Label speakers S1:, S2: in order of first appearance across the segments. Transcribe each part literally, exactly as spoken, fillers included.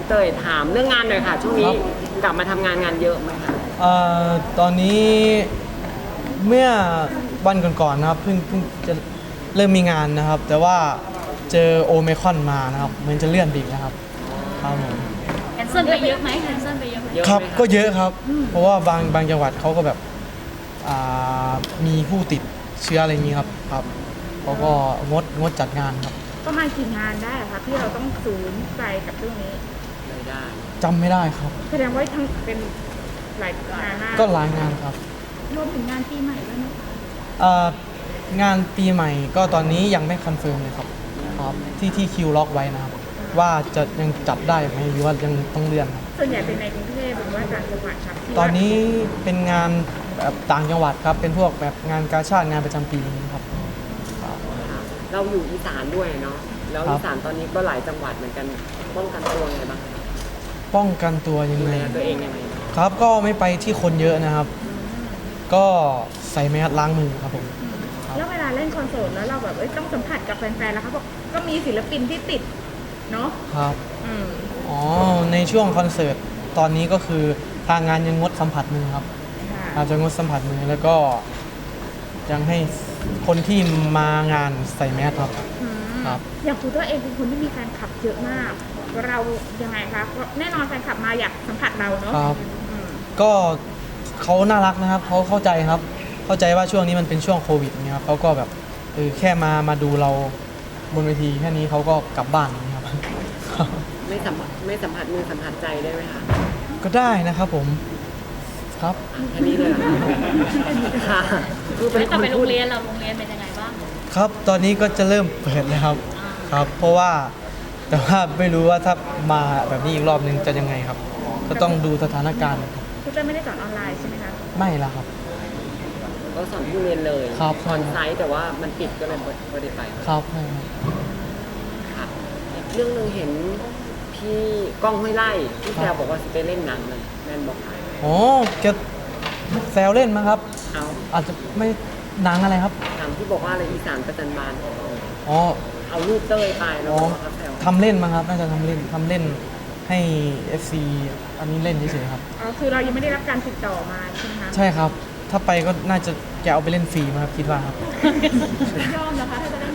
S1: เตยถามเรื่องงานหน่อยค่ะช่วงนี้กลับมาทำงานงานเยอะไหมคะ
S2: เอ่อตอนนี้เมื่อวันก่อนๆนะครับเพิ่งเพิ่งจะเริ่มมีงานนะครับ แต่ว่าเจอโอไมครอนมานะครับเหมือนจะเลื่อนไปอีกนะครับครับผม
S3: แคนเซิลไปเยอะไหมแคนเซิลไปเยอะไหม
S1: เยอะ
S2: ครับ
S1: ไหมะ
S2: ก็เยอะครับ เพราะว่าบางบางจังหวัดเขาก็แบบอ่ามีผู้ติดเชื้ออะไรอย่างนี้ครับครับเขาก็งดงดจัดงานครับ
S4: ประมาณกี่งานได้อะคะที่เราต้องสูญไปกับเรื่องนี้
S1: ไม่ได้
S2: จำไม่ได้ครับ
S4: แสดงว่าทั้งเป็นหลายงานมาก
S2: ก็หลายงานครับ
S4: รวมถึงงานปีใหม่ด้วยไหมคะ
S2: เอ่องานปีใหม่ก็ตอนนี้ยังไม่คอนเฟิร์มเลยครับครับที่ที่คิวล็อกไว้นะครับ ว่าจะยังจัดได้ไหมหรือว่ายังต้องเลื่อนครับ
S4: ส่วนใหญ่เป็นในกรุงเทพหรือว่าต่างจังหวัดครับที่
S2: ตอนนี้เป็นงานแบบต่างจังหวัดครับ เป็นพวกแบบงานกาชาติงานประจำปีนี้ครับ
S1: ค่ะเราอยู่อีสานด้วยเนาะแล้ว
S2: ครับ
S1: อีสานตอนนี้ก็หลายจังหวัดเหมือนกันป้องกันตัวไงบ้างคะ
S2: ป้องกันตัวยัง
S1: ดู
S2: ไง
S1: แลตัวเองยังไงบ้าง
S2: ครับก็ไม่ไปที่คนเยอะนะครับ ก็ใส่แมสล้างมือครับผม
S4: แล้วเวลาเล่นคอนเสิร์ตแล้วเราแบบเอ้ยต้องสัมผัสกับแฟนๆแล้วเขาบอกก็มีศิลปินที่ติดเนาะ
S2: ครับ
S4: อืม
S2: อ๋อในช่วงคอนเสิร์ตตอนนี้ก็คือทางงานยังงดสัมผัสมือครับ
S4: ค่ะ
S2: อาจจะงดสัมผัสมือแล้วก็ยังให้คนที่มางานใส่แมสครับ
S4: อืม
S2: ครับ
S4: อย่างคุณตัวเองเป็นคนที่มีแฟนคลับเยอะมาก เรายังไงคะเพราะแน่นอนแฟนคลับมาอยากสัมผัสเราเนาะ
S2: ครับ
S4: อืม
S2: ก็เขาน่ารักนะครับเขาเข้าใจครับ เข้าใจว่าช่วงนี้มันเป็นช่วงโควิดเนี่ยครับเขาก็แบบเออแค่มามาดูเราบนเวทีแค่นี้เขาก็กลับบ้านอย่างนี้ครับ
S1: ไม่สัมผัสไม่สัมผัสมือสัมผัสใจได้ไหมคะ
S2: ก็ได้นะครับผมครับ
S1: แค่นี้เลยเหรอคะค่ะคือเป็น
S3: แล้ว
S1: ค
S3: กลับ
S1: น
S3: ไปโร
S1: พู
S3: ง
S1: ด
S3: เรียนเราโรงเรียนเป็นยังไงบ้าง
S2: ครับตอนนี้ก็จะเริ่มเปิดเลยครับครับ เพราะว่าแต่ว่าไม่รู้ว่าถ้ามาแบบนี้อีกรอบนึงจะยังไงครับ ก็ต้องดูสถานการณ์ครับ
S4: คุณเต้ยไม่ได้สอนออนไลน์ใช่ไหมคะ
S2: ไม่ละครับ
S1: ก็สอนที่โรงเรียนเลย
S2: ครับ
S1: สอนไซต์แต่ว่ามันปิดก็เลยไม่ได้ไป
S2: ครับไม่ครับ
S1: ค่ะอีกเรื่องหนึ่งเห็นพี่ก้องห้วยไล่ที่แซวบอกว่าจะไปเล่นหนังเลยแมนบอกขาย
S2: อ๋อแกแซวเล่นมั้งครับ
S1: เอา
S2: อาจจะไม่หนังอะไรครับ
S1: หนังที่บอกว่าอะไรอีสานประจันบาน
S2: อ๋อ
S1: เอารูปเต้ยไปแล้ว
S2: อ๋อ
S1: ก็เขาแซว
S2: ทำเล่นมั้งครับ น่าจะทำเล่นทำเล่นให้ เอฟ ซี อันนี้เล่นเฉยๆครับ
S4: อ๋อคือเรายังไม่ได้รับการติดต่อมาใช่ไหมคะ
S2: ใช่ครับ ถ้าไปก็น่าจะแกเอาไปเล่นฟรีมั้งครับคิดว่าครับ
S4: ยอมนะคะถ้าจะได้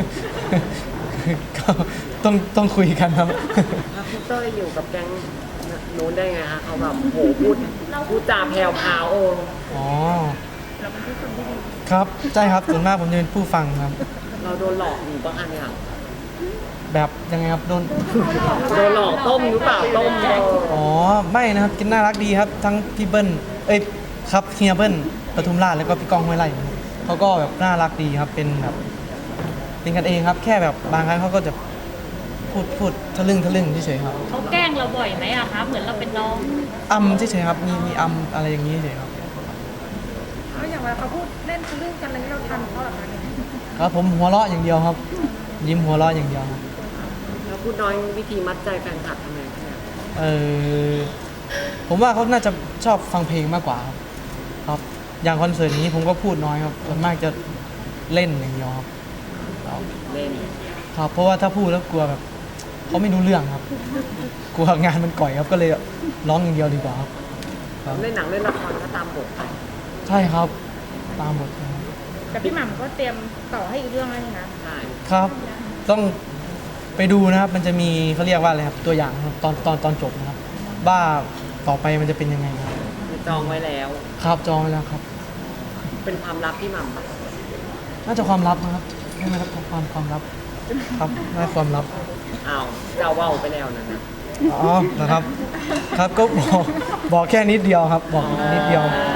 S2: ก็ต้องต้องคุยกันครับ
S1: แล้วพี่เต้ยอยู่กับแก๊งนู้นได้ไงคะเขาแบบโหพูดพูดจาแพรวพราวโอ้
S2: อ๋อ
S4: เราเป็นผู้คนที่ดี
S2: ครับใช่ครับส่วนมากผมจะเป็นผู้ฟังครับ
S1: เราโดนหลอกอยู่บ้างอันเนี่ย
S2: แบบยังไงครับโดน
S1: โดนหลอกต้มหรือเปล่าต้มเออ
S2: อ๋อไม่นะครับกินน่ารักดีครับ ทั้งพี่เบิ้ลเอ้ยครับเฮียเบิ้ลปทุมราชแล้วก็พี่ก้องห้วยไร่นะครับเขาก็แบบน่ารักดีครับเป็นแบบเป็นกันเองครับ แค่แบบบางครั้งเขาก็จะพูดพูดทะลึ่งทะลึ่งเฉยๆครับ
S3: เขาแกล้งเราบ่อยไหมอะคะเหมือนเราเป็นน้อง
S2: อำเฉยๆครับมีมีอำอะไรอย่างนี้เฉยๆครับ
S4: แล้วอย่างเวลาเขาพูดเล่นทะลึ่งกันอะไรเราทำเขาแบบนั้น
S2: ครับผมหัวเราะอย่างเดียวครับ ยิ้มหัวเราะอย่างเดียวครับ
S1: แล้วพูดน้อยวิธีมัดใจแฟนคลับทำไงคะเนี่ย
S2: เออผมว่าเขาน่าจะชอบฟังเพลงมากกว่าครับครับ อย่างคอนเสิร์ตนี้ผมก็พูดน้อยครับส่วนมากจะเล่นอย่างเดียวครับครับ
S1: เล่น
S2: ครับ เพราะว่าถ้าพูดแล้วกลัวแบบเขาไม่รู้เรื่องครับ กลัวงานมันก่อยครับก็เลยร้องอย่างเดียวดีกว่าครับครับ
S1: เล่นหนังเล่นละครก็ตามบทไป
S2: ใช่ครับ ตามบทครับ
S4: แต่พี่หม่ำก็เตรียมต่อให้อีกเรื่องแล้วนี่นะ
S1: ใช่
S2: ครับ ต้องไปดูนะครับ มันจะมีเขาเรียกว่าอะไรครับตัวอย่างครับตอนตอนตอนจบนะครับว่าต่อไปมันจะเป็นยังไงครับ
S1: คือจองไว้แล้ว
S2: ครับจองไว้แล้วครับ
S1: เป็นความลับพี่หม่ำปะ
S2: น่าจะความลับนะครับไม่นะครับความความลับครับน่าจะความลับ
S1: อ้าวเจ้าเว่าวไปแล้วนะนะ
S2: อ๋อนะครับ ครับก็บอกบอกแค่นิดเดียวครับ บอกนิดเดียว
S1: อ่า